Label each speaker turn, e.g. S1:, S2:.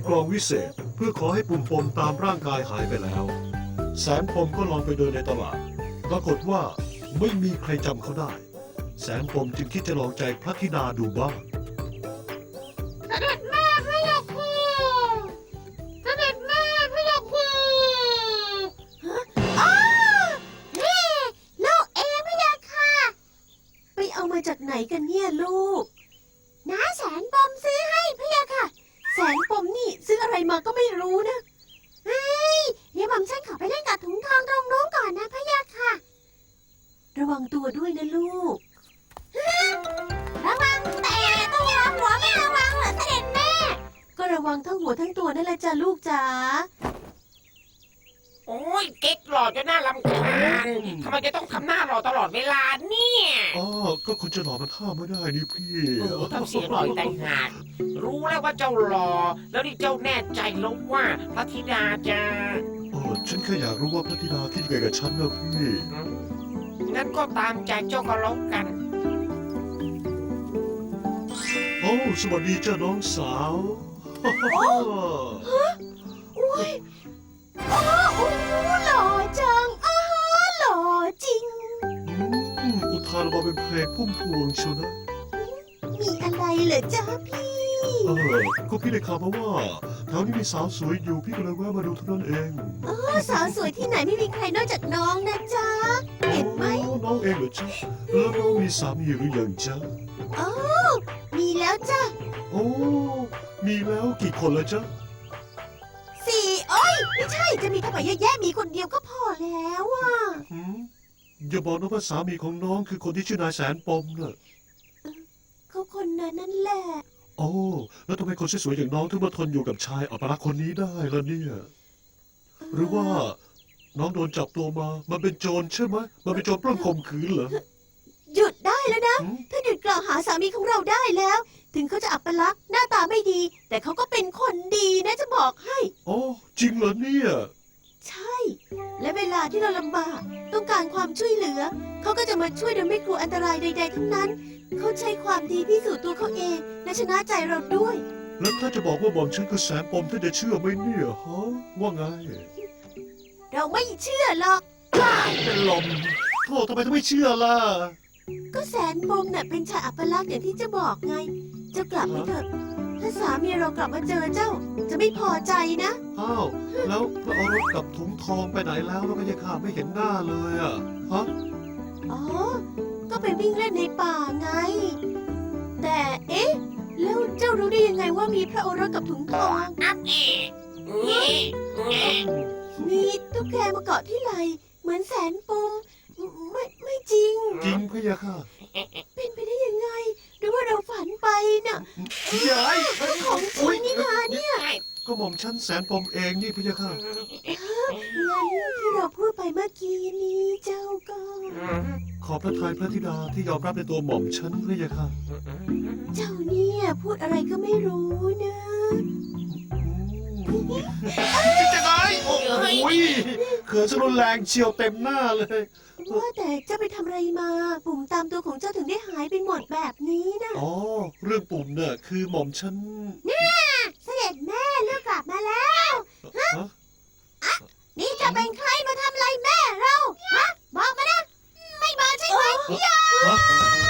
S1: กลองวิเศษเพื่อขอให้ปุ่มปมตามร่างกายหายไปแล้วแสนปมก็ลองไปเดินในตลาดปรากฏว่าไม่มีใครจำเขาได้แสนปมจึงคิดจะลองใจพระธิดาดูบ้าง
S2: เสด็จแม่พระยาคูเสด็จแม่พระยาคู
S3: อ้านี่ลูกเองพระยาค่ะไปเอามาจากไหนกันเนี่ยลูกน้าแสนปมซื้อให้พระยาค่ะแสนปมนี่ซื้ออะไรมาก็ไม่รู้นะเฮ้ยเดี๋ยวผมฉันขอไปเล่นกับถุงทองตรงนู้นก่อนนะพระยาค่ะระวังตัวด้วยนะลูกระวังแต่ต้องระวังหัวไม่ระวังเหรอเสด็จแม่ก็ระวังทั้งหัวทั้งตัวนั่นแหละจ้ะลูกจ๋า
S2: โอ้ยเก๊กหล่อจนน่ารำคาญทำไมจะต้องทำหน้าหล่อตลอดเวลาเนี่ย
S1: อ๋อก็คุณจะหล่อมันท่าไม่ได้นี่พี่
S2: ทำเสียงหล่อแต่งหากรู้แล้วว่าเจ้าหล่อแล้วนี่เจ้าแน่ใจแล้วว่าพระธิดาจะ
S1: ฉันแค่อยากรู้ว่าพระธิดาคิดยังไงกับฉันนะพี่
S2: งั้นก็ตามใจเจ้าก็แล้วกัน
S1: โอ้สวัสดีจ้าน้องสาว
S3: อุ้ยโอ้หล่อจังหล่อจริง
S1: อุทานออกมาเป็นเพลงพุ่มพวงเชียวนะ
S3: มีอะไรเหรอจ๊ะพี่
S1: ก็พี่ได้ข่าวมาว่าแถวนี้มีสาวสวยอยู่พี่ก็เลยแวะมาดูเท่านั้นเอง
S3: สาวสวยที่ไหนไม่มีใครนอกจากน้องนะจ๊ะเห็นไหม
S1: น้องเองเหรอจ๊ะแล้วน้องมีสามีหรือยังจ๊ะ
S3: มีแล้วจ้ะ
S1: มีแล้วกี่คนแล้วจ๊ะ
S3: 4ไม่ใช่จะมีทำไมเยอะแยะมีคนเดียวก็พอแล้วอ่ะ
S1: อย่าบอกนะว่าสามีของน้องคือคนที่ชื่อนายแสนปมน่ะ
S3: เขาคนนั้นนั่นแหละ
S1: แล้วทำไมคนสวยๆอย่างน้องถึงมาทนอยู่กับชายอัปลักษณ์คนนี้ได้ล่ะเนี่ยหรือว่าน้องโดนจับตัวมามันเป็นโจรใช่ไหมมันเป็นโจรปล้นข่มขืนเหรอ
S3: หยุดได้แล้วนะถ้าหยุดกล่าวหาสามีของเราได้แล้วถึงเขาจะอัปลักษณ์หน้าตาไม่ดีแต่เขาก็เป็นคนดีนะจะบอกให้
S1: จริงเหรอเนี่ย
S3: ใช่และเวลาที่เราลำบากต้องการความช่วยเหลือเขาก็จะมาช่วยโดยไม่กลัวอันตรายใดๆทั้งนั้นเขาใช้ความดีพิสูจน์ตัวเขาเองและชนะใจเราด้วย
S1: แล้วถ้าจะบอกว่าหม่อมฉันคือแสนปมท่านจะเชื่อไหมเนี่ยฮะว่าไง
S3: เราไม่เชื่อหรอก
S1: เป็นลมโธ่ทำไมถึงไม่เชื่อล่ะ
S3: ก็แสนปมน่ะเป็นชายอัปลักษณ์อย่างที่จะบอกไงเจ้ากลับไปเถอะถ้าสามีเรากลับมาเจอเจ้าจะไม่พอใจนะ
S1: แล้วพระโอรสกับถุงทองไปไหนแล้วพระยาค่ะไม่เห็นหน้าเลยอ่ะฮะ
S3: ก็ไปวิ่งเล่นในป่าไงแต่แล้วเจ้ารู้ได้ยังไงว่ามีพระโอรสกับถุงทองมีตุ๊กแกมาเกาะที่ไหล่เหมือนแสนปมไม่จริง
S1: พระยาค่ะ
S3: เป็นไปได้ยังไงหรือว่าเราฝันไปน่ะ
S1: ยาย
S3: ของจริงนี่นาเนี่ย
S1: ก็หม่อมฉันแสนปมเองนี่พระยาค่ะ
S3: งั้นที่เราพูดไปเมื่อกี้นี้เจ้าก็
S1: ขอพระทัยพระธิดาที่ยอมรับในตัวหม่อมฉันพระยาค่ะ
S3: เจ้าเนี่ยพูดอะไรก็ไม่รู้นะ
S1: จะไงโอ้ยเขินซะรุนแรงเฉียวเต็มหน้าเลย
S3: ว่าแต่เจ้าไปทำอะไรมาปุ่มตามตัวของเจ้าถึงได้หายไปหมดแบบนี้นะ
S1: เรื่องปุ่มเนี่ยคือหม่อมฉัน
S3: เสด็จแม่ลูกกลับมาแล้วนี่จะเป็นใครมาทำอะไรแม่เราบอกมานะไม่บอกใช่ไหม